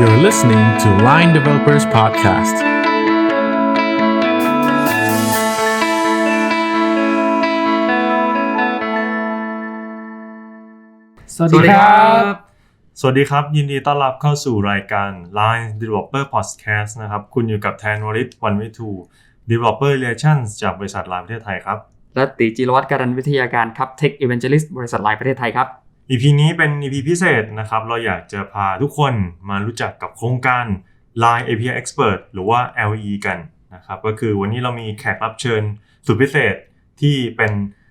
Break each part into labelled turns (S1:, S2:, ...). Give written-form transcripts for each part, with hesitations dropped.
S1: You're listening to Line Developers Podcast.
S2: สวัสดีครับ
S3: สวัสดีครับยินดีต้อนรับเข้าสู่รายการ Line Developer Podcast นะครับคุณอยู่กับแทนวริศ วันวิทู Developer Relations จากบริษัท Line ประเทศไทยครับ
S2: และติจิรวัฒน์การันวิทยาการครับ Tech Evangelist บริษัท Line ประเทศไทยครับ
S3: EP นี้เป็น EP พิเศษนะครับเราอยากจะพาทุกคนมารู้จักกับโครงการ Line API Expert หรือว่า LE กันนะครับก็คือวันนี้เรามีแขกรับเชิญสุดพิเศษที่เป็น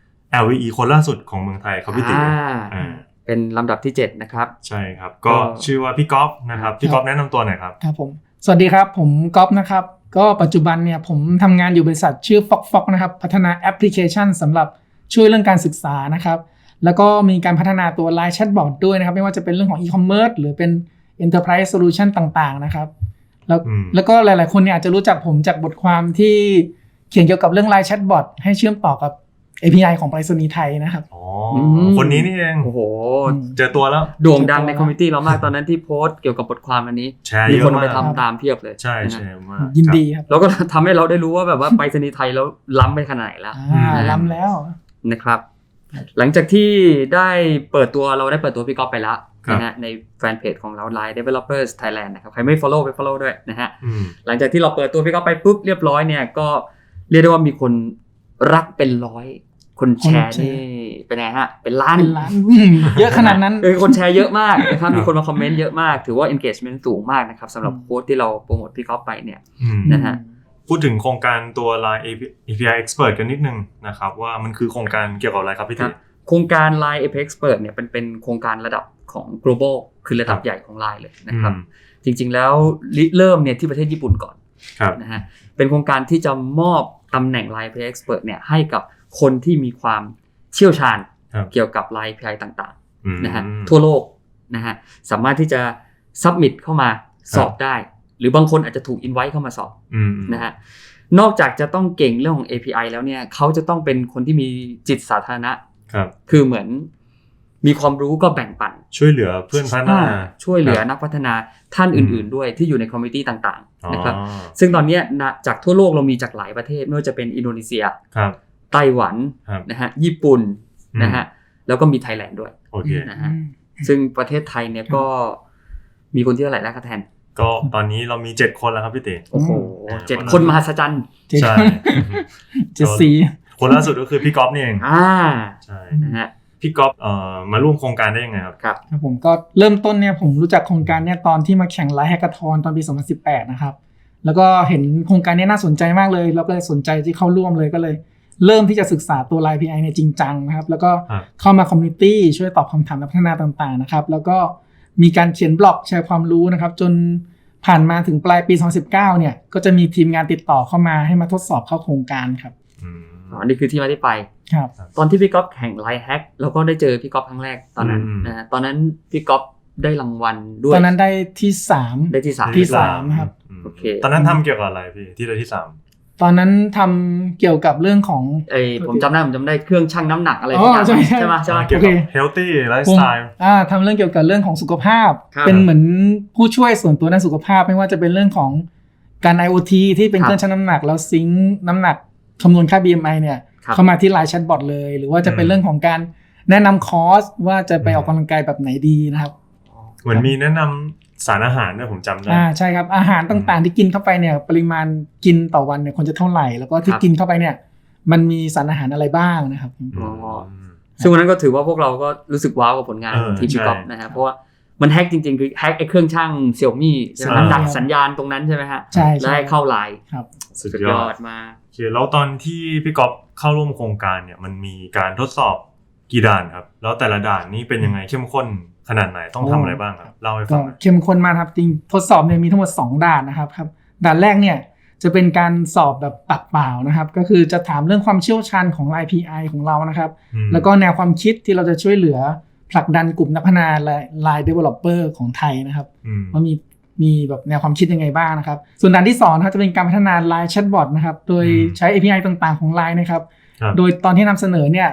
S3: LE คนล่าสุดของเมืองไทยครับพี่ติ๋
S2: เป็นลำดับที่7นะครับ
S3: ใช่ครับก็ชื่อว่าพี่ก๊อฟนะครับพี่ก๊อฟแนะนำตัวหน่อยครับ
S4: ครับผมสวัสดีครับผมก๊อฟนะครับก็ปัจจุบันเนี่ยผมทำงานอยู่บริษัทชื่อ Fox นะครับพัฒนาแอปพลิเคชันสำหรับช่วยเรื่องการศึกษานะครับแล้วก็มีการพัฒนาตัว Line Chatbot ด้วยนะครับไม่ว่าจะเป็นเรื่องของ e-commerce หรือเป็น Enterprise Solution ต่างๆนะครับแล้วก็หลายๆคนเนี่ยอาจจะรู้จักผมจากบทความที่เขียนเกี่ยวกับเรื่อง Line Chatbot ให้เชื่อมต่อกับ API ของไปรษณีย์ไทยนะครับ
S3: คนนี้นี่เอง
S2: โอ้โห
S3: เจอตัวแล้ว
S2: โด่งดังในคอมมูนิตี้เรามากตอนนั้นที่โพสต์เกี่ยวกับบทความอันนี้มีคนไปทำตามเพียบเลย
S3: ใช่ใช่มาก
S4: ยินดีครับ
S2: แล้วก็ทำให้เราได้รู้ว่าแบบว่าไปรษณีย์ไทยแล้วล้ำไปขนาดไหนแล้ว
S4: ล้ำแล้ว
S2: นะครับหลังจากที่ได้เปิดตัวพี่ก๊อฟไปแล้วนะฮะในแฟนเพจของเรา Line Developers Thailand นะครับใครไม่ follow ไป follow ด้วยนะฮะหลังจากที่เราเปิดตัวพี่ก๊อฟไปปุ๊บเรียบร้อยเนี่ยก็เรียกได้ว่ามีคนรักเป็นร้อยคนแชร์นี่เป็นไงฮะเป็นล้าน
S4: เยอะขนาดนั้น
S2: คนแชร์เยอะมากนะครับมีคนมาคอมเมนต์เยอะมากถือว่า engagement สูงมากนะครับสำหรับโค้ดที่เราโปรโมทพี่ก๊อฟไปเนี่ยนะฮะ
S3: พูดถึงโครงการตัว Line API Expert กันนิดนึงนะครับว่ามันคือโครงการเกี่ยวกับอะไรครับพี่ติ๋
S2: โครงการ Line API Expert เนี่ยเป็นโครงการระดับของ global คือระดับใหญ่ของ Line เลยนะครับจริงๆแล้วเริ่มเนี่ยที่ประเทศญี่ปุ่นก่อนนะฮะเป็นโครงการที่จะมอบตำแหน่ง Line API Expert เนี่ยให้กับคนที่มีความเชี่ยวชาญเกี่ยวกับ Line API ต่างๆนะฮะทั่วโลกนะฮะสามารถที่จะ submit เข้ามาสอบได้หรือบางคนอาจจะถูก invite เข้ามาสอบนะฮะนอกจากจะต้องเก่งเรื่องของ API แล้วเนี่ยเขาจะต้องเป็นคนที่มีจิตสาธารณะคือเหมือนมีความรู้ก็แบ่งปัน
S3: ช่วยเหลือเพื่อนพัฒนา
S2: ช่วยเหลือนักพัฒนาท่านอื่นๆด้วยที่อยู่ในคอมมูนิตี้ต่างๆนะครับซึ่งตอนนี้จากทั่วโลกเรามีจากหลายประเทศไม่ว่าจะเป็นอินโดนีเซียไต้หวันนะฮะญี่ปุ่นนะฮะแล้วก็มีไทยแลนด์ด้วยนะฮะซึ่งประเทศไทยเนี่ยก็มีคนที่เท่าไหร่แล้วครับแทน
S3: ก็ตอนนี้เรามี7คนแล้วครับพี่เต๋
S2: โอ้โห7คนมหัศจรรย์
S3: ใช่7คนล่าสุดก็คือพี่ก๊อฟนี่เองใช่
S2: นะฮะ
S3: พี่ก๊อฟมาร่วมโครงการได้ยังไงครับ
S4: ครับผมก็เริ่มต้นเนี่ยผมรู้จักโครงการเนี่ยตอนที่มาแข่งไลฟ์แฮกเกอร์ทอนตอนปี2018นะครับแล้วก็เห็นโครงการนี้น่าสนใจมากเลยแล้วก็เลยสนใจที่เข้าร่วมเลยก็เลยเริ่มที่จะศึกษาตัว Line API เนี่ยจริงจังนะครับแล้วก็เข้ามาคอมมูนิตี้ช่วยตอบคำถามนักพัฒนาต่างๆนะครับแล้วก็มีการเขียนบล็อกแชร์ความรู้นะครับจนผ่านมาถึงปลายปี2019เนี่ยก็จะมีทีมงานติดต่อเข้ามาให้มาทดสอบเข้าโครงการครับ
S2: นี่คือที่มาที่ไป
S4: ครับ
S2: ตอนที่พี่ก๊อฟแข่ง Line Hack แล้วก็ได้เจอพี่ก๊อฟครั้งแรกตอนนั้นนะฮะตอนนั้นพี่ก๊อฟได้รางวัลด้วย
S4: ตอนนั้นได้ที่3
S2: ได้ที่
S4: 3ครับ
S2: โอเค
S3: ตอนนั้นทำเกี่ยวกับอะไรพี่ที่ได้ที่3
S4: ตอนนั้นทำเกี่ยวกับเรื่องของ
S2: ผมจำได้เครื่องชั่งน้ำหนักอะไรอย่างเงี้ยใช่ไหม
S3: เกี่ยวกับ healthy lifestyle
S4: ทำเรื่องเกี่ยวกับเรื่องของสุขภาพเป็นเหมือนผู้ช่วยส่วนตัวด้านสุขภาพไม่ว่าจะเป็นเรื่องของการ IoT ที่เป็นเครื่องชั่งน้ำหนักแล้วซิงค์น้ำหนักคำนวณค่า BMI เนี่ยเข้ามาที่ Line Chatbot เลยหรือว่าจะเป็นเรื่องของการแนะนำคอร์สว่าจะไปออกกำลังกายแบบไหนดีนะครับ
S3: เหมือนมีแนะนำสารอาหารด้วยผมจำได้
S4: ใช่ครับอาหารต่างๆที่กินเข้าไปเนี่ยปริมาณกินต่อวันเนี่ยควรจะเท่าไหร่แล้วก็ที่กินเข้าไปเนี่ยมันมีสารอาหารอะไรบ้างนะครับ
S2: ซึ่งวันนั้นก็ถือว่าพวกเราก็รู้สึกว้าวกับผลงานทีมพี่ก๊อฟนะฮะเพราะว่ามันแฮกจริงๆคือแฮกไอ้เครื่องช่าง Xiaomi ใช่ไหมดักสัญญาณตรงนั้นใช่ไหมฮะ
S4: ใช่
S2: แล้วให้เข้าไลน์
S4: ครับ
S3: สุดยอด
S2: มา
S3: โอเคแล้วตอนที่พี่ก๊อฟเข้าร่วมโครงการเนี่ยมันมีการทดสอบกี่ด่านครับแล้วแต่ละด่านนี้เป็นยังไงเข้มข้นขนาดไหนต้องทำอะไรบ้างครับเล่าให้ฟัง
S4: เข้มข้นมากครับจริงทดสอบเนี่ยมีทั้งหมด2ด่านนะครับด่านแรกเนี่ยจะเป็นการสอบแบบปากเปล่านะครับก็คือจะถามเรื่องความเชี่ยวชาญของ Line API ของเรานะครับแล้วก็แนวความคิดที่เราจะช่วยเหลือผลักดันกลุ่มนักพัฒนา Line Developer ของไทยนะครับว่ามีแบบแนวความคิดยังไงบ้างนะครับส่วนด่านที่2นะครับจะเป็นการพัฒนา Line Chatbot นะครับโดยใช้ API ต่างๆของ Line นะครับโดยตอนที่นำเสนอเนี่ย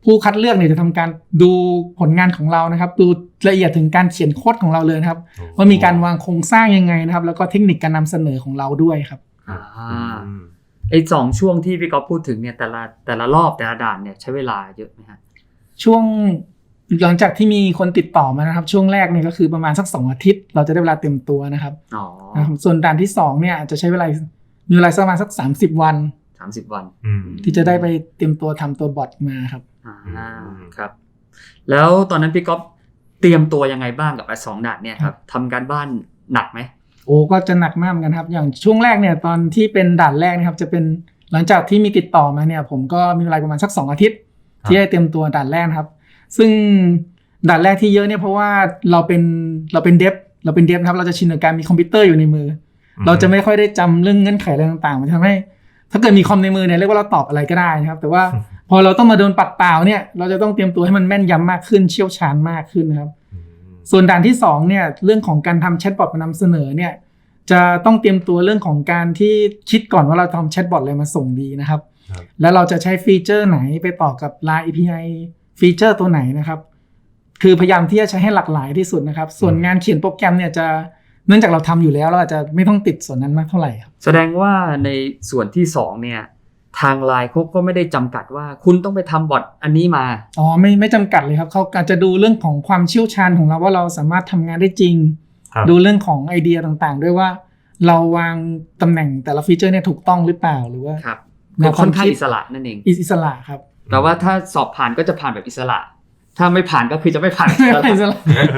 S4: ผู้คัดเลือกเนี่ยจะทำการดูผลงานของเรานะครับดูละเอียดถึงการเขียนโค้ดของเราเลยนะครับว่ามีการวางโครงสร้างยังไงนะครับแล้วก็เทคนิคการนำเสนอของเราด้วยครับ
S2: ไอ้2ช่วงที่พี่ก๊อฟพูดถึงเนี่ยแต่ละรอบแต่ละด่านเนี่ยใช้เวลาเยอะไหมฮะ
S4: ช่วงหลังจากที่มีคนติดต่อมานะครับช่วงแรกเนี่ยก็คือประมาณสัก2อาทิตย์เราจะได้เวลาเต็มตัวนะครับส่วนด่านที่2เนี่ยจะใช้เวลามีเวลาประมาณสัก30 วันที่จะได้ไปเตรียมตัวทำตัวบอทมาครับ
S2: ครับแล้วตอนนั้นพี่ก๊อฟเตรียมตัวยังไงบ้างกับ2ด่านเนี่ยครับทำการบ้านหนักไหม
S4: โอ้ก็จะหนักมากเหมือนกันครับอย่างช่วงแรกเนี่ยตอนที่เป็นด่านแรกนะครับจะเป็นหลังจากที่มีติดต่อมาเนี่ยผมก็มีเวลาประมาณสัก2อาทิตย์ที่ได้เตรียมตัวด่านแรกครับซึ่งด่านแรกที่เยอะเนี่ยเพราะว่าเราเป็นเดฟนะครับเราจะชินกับการมีคอมพิวเตอร์อยู่ในมือเราจะไม่ค่อยได้จำเรื่องเงื่อนไขอะไรต่างๆมันทำให้ถ้าเกิดมีคอมในมือเนี่ยเรียกว่าเราตอบอะไรก็ได้นะครับแต่ว่าพอเราต้องมาโดนปัดเปล่าเนี่ยเราจะต้องเตรียมตัวให้มันแม่นยำมากขึ้นเชี่ยวชาญมากขึ้นนะครับส่วนด่านที่2เนี่ยเรื่องของการทำแชทบอทมานำเสนอเนี่ยจะต้องเตรียมตัวเรื่องของการที่คิดก่อนว่าเราทำแชทบอทอะไรมาส่งดีนะครับแล้วเราจะใช้ฟีเจอร์ไหนไปต่อกับ Line API ฟีเจอร์ตัวไหนนะครับคือพยายามที่จะใช้ให้หลากหลายที่สุดนะครับส่วนงานเขียนโปรแกรมเนี่ยจะเนื่องจากเราทำอยู่แล้วเราอาจจะไม่ต้องติดส่วนนั้นมากเท่าไหร่ครับ
S2: แสดงว่าในส่วนที่2เนี่ยทาง Line เขาก็ไม่ได้จำกัดว่าคุณต้องไปทำบอทอันนี้มา
S4: ไม่จำกัดเลยครับเขาอาจจะดูเรื่องของความเชี่ยวชาญของเราว่าเราสามารถทำงานได้จริงดูเรื่องของไอเดียต่างๆด้วยว่าเราวางตำแหน่งแต่ละฟีเจอร์เนี่ยถูกต้องหรือเปล่าหรือว่า
S2: ค่อนข้างอิสระนั่นเอง
S4: อิสระครับ
S2: แต่ว่าถ้าสอบผ่านก็จะผ่านแบบอิสระถ้าไม่ผ่านก็คือจะไม่ผ่านอิสระ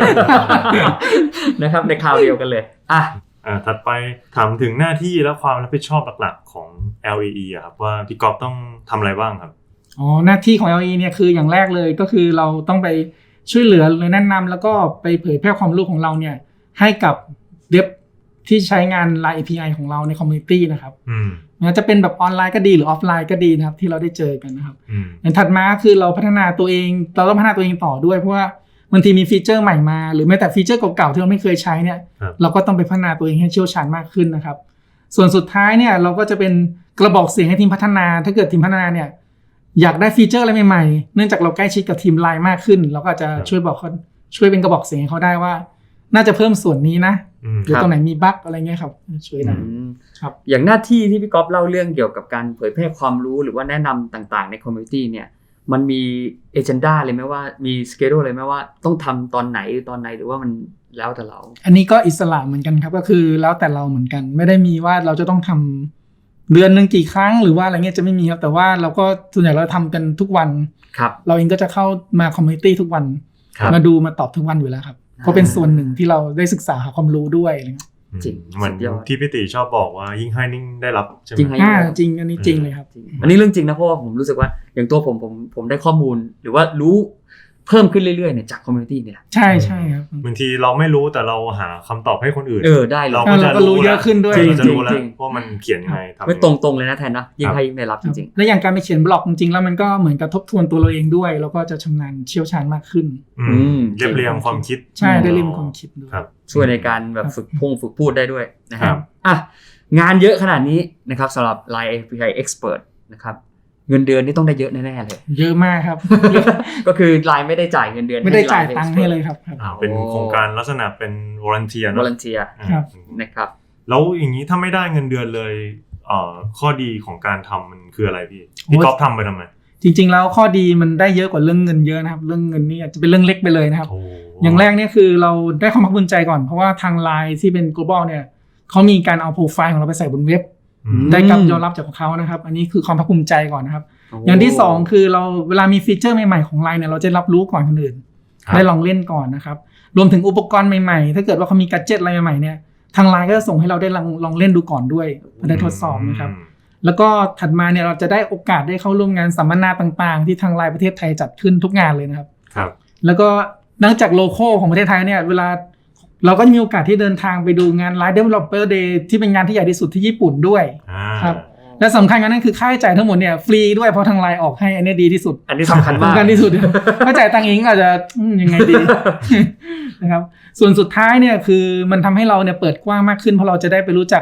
S2: นะครับในคราวเดียวกันเลย
S3: ถัดไปถามถึงหน้าที่และความรับผิดชอบหลักๆของ LAE อะครับว่าพี่ก๊อฟต้องทำอะไรบ้างครับ
S4: หน้าที่ของ LAE เนี่ยคืออย่างแรกเลยก็คือเราต้องไปช่วยเหลือหรือแนะนำแล้วก็ไปเผยแพร่ความรู้ของเราเนี่ยให้กับเดฟที่ใช้งาน Line API ของเราในคอมมูนิตี้นะครับจะเป็นแบบออนไลน์ก็ดีหรือออฟไลน์ก็ดีนะครับที่เราได้เจอกันนะครับอย่างถัดมาคือเราพัฒนาตัวเองเราต้องพัฒนาตัวเองต่อด้วยเพราะว่าบางทีมีฟีเจอร์ใหม่มาหรือแม้แต่ฟีเจอร์เก่าๆที่เราไม่เคยใช้เนี่ยเราก็ต้องไปพัฒนาตัวเองให้เชี่ยวชาญมากขึ้นนะครับส่วนสุดท้ายเนี่ยเราก็จะเป็นกระบอกเสียงให้ทีมพัฒนาถ้าเกิดทีมพัฒนาเนี่ยอยากได้ฟีเจอร์อะไรใหม่ๆเนื่องจากเราใกล้ชิดกับทีม Line มากขึ้นเราก็จะช่วยบอกเขาช่วยเป็นกระบอกเสียงให้เขาได้ว่าน่าจะเพิ่มส่วนนี้นะหรือตรงไหนมีบั๊กอะไรเงี้ยครับช่วยได้
S2: ครับอย่างหน้าที่ที่พี่ก๊อฟเล่าเรื่องเกี่ยวกับการเผยแพร่ความรู้หรือว่าแนะนำต่างๆในคอมมูนิตี้เนี่ยมันมีเอเจนดาเลยไหมว่ามีสเกดูเลยไหมว่าต้องทำตอนไหนหรือว่ามันแล้วแต่เรา
S4: อันนี้ก็อิสระเหมือนกันครับก็คือแล้วแต่เราเหมือนกันไม่ได้มีว่าเราจะต้องทำเดือนนึงกี่ครั้งหรือว่าอะไรเงี้ยจะไม่มีครับแต่ว่าเราก็ส่วนใหญ่เราทำกันทุกวันเราเองก็จะเข้ามาคอมมูนิตี้ทุกวันมาดูมาตอบทุกวันอยู่แล้วครับก็เป็นส่วนหนึ่งที่เราได้ศึกษาหาความรู้ด้วย
S2: จริง
S3: เหมือนที่พี่ติชอบบอกว่ายิ่งให้ยิ่งได้รับใช่ไหม
S4: จริงอันนี้จริงเลยครับ
S2: อันนี้เรื่องจริงนะเพราะว่าผมรู้สึกว่าอย่างตัวผมได้ข้อมูลหรือว่ารู้เพิ่มขึ้นเรื่อยๆเนี่ยจากคอมมูนิตี้เนี่ย
S4: ใช่ครับ
S3: บางทีเราไม่รู้แต่เราหาคำตอบให้คนอื่น
S2: ได้
S3: เราก็จะ
S4: รู้เยอะขึ้นด้วย
S3: เราจะรู้แล้วว่ามันเขียนยังไง
S2: ไม่ตรงๆเลยนะแทนนะยิ่งให้ยิ่งได้รับจริง
S4: ๆและอย่างการไปเขียนบล็อกจริงๆแล้วมันก็เหมือนกับทบทวนตัวเราเองด้วยแล้วก็จะชำนาญเชี่ยวชาญมากขึ้น
S3: เรียงความคิด
S4: ใช่ได้เรียงความคิดด้วย
S2: ช่วยในการแบบฝึกพูดได้ด้วยนะครับงานเยอะขนาดนี้นะครับสำหรับ Line API Expert นะครับเงินเดือนนี่ต้องได้เยอะแน่ๆเลย
S4: เยอะมากครับ
S2: ก็คือ Line ไม่ได้จ่ายเงินเดือน
S4: ไม่ได้จ่ายตังค์ให้เลยครับ
S3: เป็นโครงการลักษณะเป็น volunteer
S2: นะครับ
S3: แล้วอย่างนี้ถ้าไม่ได้เงินเดือนเลยข้อดีของการทำมันคืออะไรพี่ก๊อฟทำไปทำไม
S4: จริงๆแล้วข้อดีมันได้เยอะกว่าเรื่องเงินเยอะนะครับเรื่องเงินนี่อาจจะเป็นเรื่องเล็กไปเลยนะครับอย่างแรกเนี่ยคือเราได้ความภาคภูมิใจก่อนเพราะว่าทาง Line ที่เป็น global เนี่ยเขามีการเอาโปรไฟล์ของเราไปใส่บนเว็บได้การยอมรับจากเขานะครับอันนี้คือความภาคภูมิใจก่อนนะครับอย่างที่2คือเราเวลามีฟีเจอร์ใหม่ๆของ Line เนี่ยเราจะรับรู้ก่อนคนอื่นได้ลองเล่นก่อนนะครับรวมถึงอุปกรณ์ใหม่ๆถ้าเกิดว่าเขามีแกดเจ็ตอะไรใหม่ๆเนี่ยทาง Line ก็จะส่งให้เราได้ลองเล่นดูก่อนด้วยเพื่อได้ทดสอบนะครับแล้วก็ถัดมาเนี่ยเราจะได้โอกาสได้เข้าร่วมงานสัมมนาต่างๆที่ทาง Line ประเทศไทยจัดขึ้นทุกงานเลยนะครับแล้วก็นอกจากโลโก้ของประเทศไทยเนี่ยเวลาเราก็มีโอกาสที่เดินทางไปดูงาน Line Developer Day ที่เป็นงานที่ใหญ่ที่สุดที่ญี่ปุ่นด้วยครับและสำคัญกว่านั้นคือค่าใช้จ่ายทั้งหมดเนี่ยฟรีด้วยเพราะทางไลน์ออกให้อันนี้ดีที่สุด
S2: อันนี้สำคัญมาก
S4: สำคัญที่สุด ถ้าจ่ายตังค์เองอาจจะยังไงดี นะครับส่วนสุดท้ายเนี่ยคือมันทำให้เราเนี่ยเปิดกว้างมากขึ้นเพราะเราจะได้ไปรู้จัก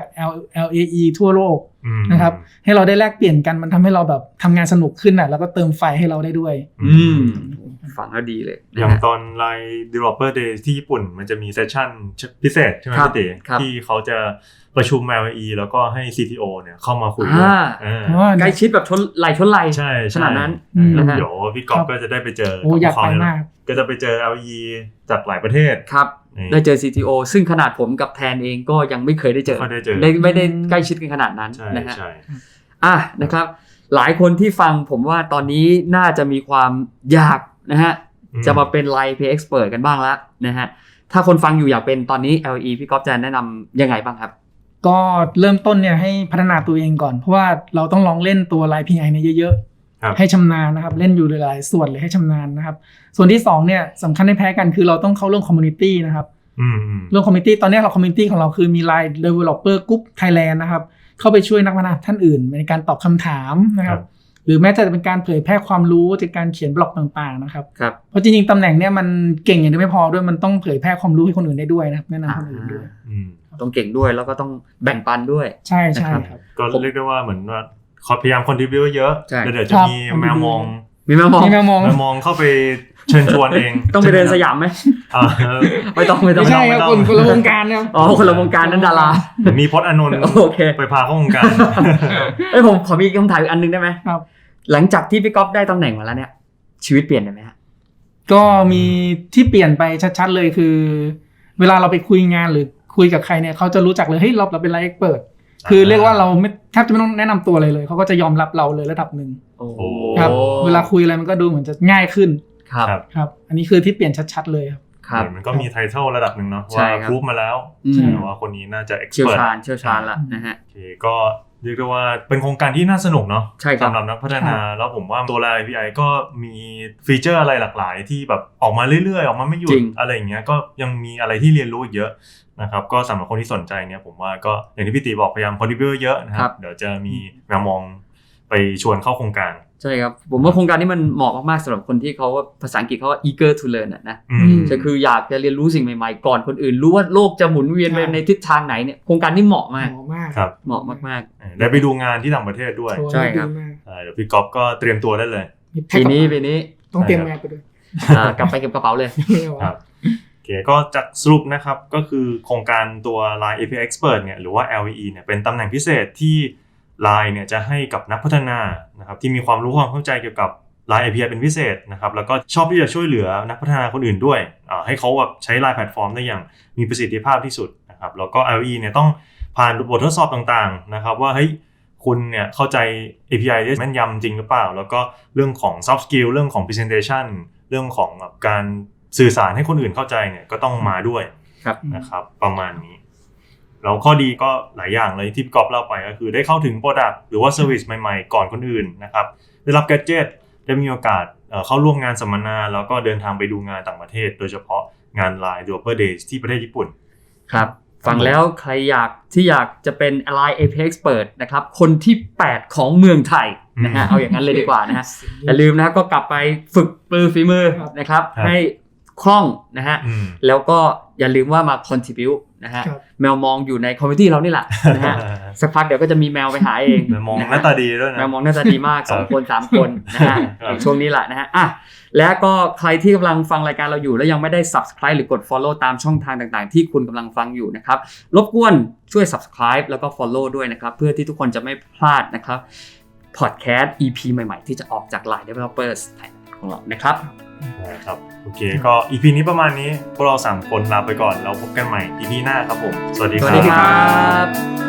S4: LAE ทั่วโลกนะครับให้เราได้แลกเปลี่ยนกันมันทำให้เราแบบทำงานสนุกขึ้นอ่ะแล้วก็เติมไฟให้เราได้ด้วย
S2: ฟังแล้วดีเลย
S3: อย่างตอน Line Developer Day ที่ญี่ปุ่นมันจะมีเซสชั่นพิเศษใช่ไหมพี่เต๋ที่เขาจะประชุม LAE แล้วก็ให้ CTO เนี่ยเข้ามาคุยด้วย
S2: ใกล้ชิดแบบชนไหล
S3: ใช่
S2: ขนาดนั้น
S3: เดี๋ยวพี่ก๊อฟก็จะได้ไปเจอ
S4: กับเขาเนี่ย
S3: ก็จะไปเจอ LAE จากหลายประเทศ
S2: ครับได้เจอ CTO ซึ่งขนาดผมกับแทนเองก็ยังไม่เคยได้เจอไม่ได้ใกล้ชิดกันขนาดนั้นนะฮะนะครับหลายคนที่ฟังผมว่าตอนนี้น่าจะมีความอยากนะฮะจะมาเป็น Line API Expert กันบ้างแล้วนะฮะถ้าคนฟังอยู่อยากเป็นตอนนี้ LE พี่ก๊อฟจะแนะนำยังไงบ้างครับ
S4: ก็เริ่มต้นเนี่ยให้พัฒนาตัวเองก่อนเพราะว่าเราต้องลองเล่นตัว Line API เนี่ยเยอะๆให้ชำนาญนะครับเล่นอยู่หลายๆส่วนเลยให้ชำนาญนะครับส่วนที่2เนี่ยสำคัญไม่แพ้กันคือเราต้องเข้าเรื่อง Community นะครับเรื่อง Community ตอนนี้เรา Community ของเราคือมี Line Developer Group Thailand นะครับเข้าไปช่วยนักพัฒนาท่านอื่นในการตอบคำถามนะครับหรือแม้จะเป็นการเผยแพร่ความรู้จากการเขียนบล็อกต่างๆนะครับเพราะจริงๆตำแหน่งเนี้ยมันเก่งอย่างเดียวไม่พอด้วยมันต้องเผยแพร่ความรู้ให้คนอื่นได้ด้วยนะครับแนะนำคนอื่นด้วย
S2: ต้องเก่งด้วยแล้วก็ต้องแบ่งปันด้วย
S4: ใช่ใช่ครับ
S3: ก็เรียกได้ว่าเหมือนว่าพยายามคอนทริบิวเยอะเดี๋ยวจะมีแมวมองเข้าไปเชิญชวนเอง
S2: ต้องไปเดินสยามไหมไม่ต้อง
S4: ไม่ใช่ครับคนละวงการครับ
S2: คนละวงการนั้นดารา
S3: มีพจน์อานนท์ไปพาเข้าวงการ
S2: ผมขอมีคำถามอีกอันนึงได้ไหม
S4: ครับ
S2: หลังจากที่พี่ก๊อฟได้ตำแหน่งมาแล้วเนี่ยชีวิตเปลี่ยนไหมฮะ
S4: ก็มีที่เปลี่ยนไปชัดๆเลยคือเวลาเราไปคุยงานหรือคุยกับใครเนี่ยเขาจะรู้จักเลยเฮ้ยเราเป็น Line Expert คือเรียกว่าเราไม่แทบจะไม่ต้องแนะนำตัวเลยเขาก็จะยอมรับเราเลยระดับหนึ่งครับเวลาคุยอะไรมันก็ดูเหมือนจะง่ายขึ้นครับอันนี้คือที่เปลี่ยนชัดๆเลย
S3: ครับมันก็มีไทเทิลระดับหนึ่งเนาะว่าพูดมาแล้วว่าคนนี้น่าจะ
S2: expert เชี่ยวชาญละนะฮะ
S3: โอเคก็เรียกได้ว่าเป็นโครงการที่น่าสนุกเนาะสำหรับนักพัฒนาแล้วผมว่าตัว Line API ก็มีฟีเจอร์อะไรหลากหลายที่แบบออกมาเรื่อยๆออกมาไม่หยุดอะไรอย่างเงี้ยก็ยังมีอะไรที่เรียนรู้อีกเยอะนะครับก็สำหรับคนที่สนใจเนี่ยผมว่าก็อย่างที่พี่ตีบอกพยายามคอนทริบิวเยอะนะครับเดี๋ยวจะมีแมวมองไปชวนเข้าโครงการ
S2: ใช่ครับผมว่าโครงการนี้มันเหมาะมากๆสำหรับคนที่เขาภาษาอังกฤษเขาว่า eager to learn นะก็คืออยากจะเรียนรู้สิ่งใหม่ๆก่อนคนอื่นรู้ว่าโลกจะหมุนเวียนไปในทิศทางไหนเนี่ยโครงการนี้เหมาะมาก
S3: ครับ
S2: เหมาะมาก
S3: ๆได้ไปดูงานที่ต่างประเทศด้วย
S2: ใช่ครับ
S3: เดี๋ยวพี่ก๊อฟก็เตรียมตัวได้เลย
S2: ปีนี้
S4: ต้องเตรียมแมสไปด้วย
S2: กลับไปเก็บกระเป๋าเลย
S3: ครับโอเคก็จากสรุปนะครับก็คือโครงการตัว Line API Expert เนี่ยหรือว่า LAE เนี่ยเป็นตำแหน่งพิเศษที่ Line เนี่ยจะให้กับนักพัฒนานะครับที่มีความรู้ความเข้าใจเกี่ยวกับ Line API เป็นพิเศษนะครับแล้วก็ชอบที่จะช่วยเหลือนักพัฒนาคนอื่นด้วยให้เขาแบบใช้ Line แพลตฟอร์มได้อย่างมีประสิทธิภาพที่สุดนะครับแล้วก็ LAE เนี่ยต้องผ่านบททดสอบต่างๆนะครับว่าเฮ้ยคุณเนี่ยเข้าใจ API ได้แม่นยำจริงหรือเปล่าแล้วก็เรื่องของ soft skill เรื่องของ presentation เรื่องของการสื่อสารให้คนอื่นเข้าใจเนี่ยก็ต้องมาด้วยนะครับประมาณนี้แล้วข้อดีก็หลายอย่างเลยที่พี่ก๊อฟเล่าไปก็คือได้เข้าถึง product หรือว่า service ใหม่ๆก่อนคนอื่นนะครับได้รับ gadget ได้มีโอกาสเข้าร่วมงานสัมมนาแล้วก็เดินทางไปดูงานต่างประเทศโดยเฉพาะงาน Line Developer Days ที่ประเทศญี่ปุ่น
S2: ครับฟังแล้วใครอยากจะเป็น Line API Expert นะครับคนที่8ของเมืองไทยนะฮะเอาอย่างนั้นเลยดีกว่านะฮะอย่าลืมนะก็กลับไปฝึกฝีมือนะครับให้คล่องนะฮะแล้วก็อย่าลืมว่ามา contribute นะฮะแมวมองอยู่ในคอมมิตี้เรานี่แหละนะฮะสักพักเดี๋ยวก็จะมีแมวไปหาเอง
S3: แมวมองหน้าตาดีด้วยนะ
S2: แมวมองหน้าตาดีมาก2คน3คนนะฮะช่วงนี้แหละนะฮะและก็ใครที่กำลังฟังรายการเราอยู่แล้วยังไม่ได้ Subscribe หรือกด Follow ตามช่องทางต่างๆที่คุณกำลังฟังอยู่นะครับรบกวนช่วย Subscribe แล้วก็ Follow ด้วยนะครับเพื่อที่ทุกคนจะไม่พลาดนะครับ Podcast EP ใหม่ๆที่จะออกจาก Line Developers ของเรานะครับ
S3: ครับโอเคก็ EP นี้ประมาณนี้พวกเรา3คนลาไปก่อนแล้วพบกันใหม่ EP หน้าครับผมสวัสดีครับ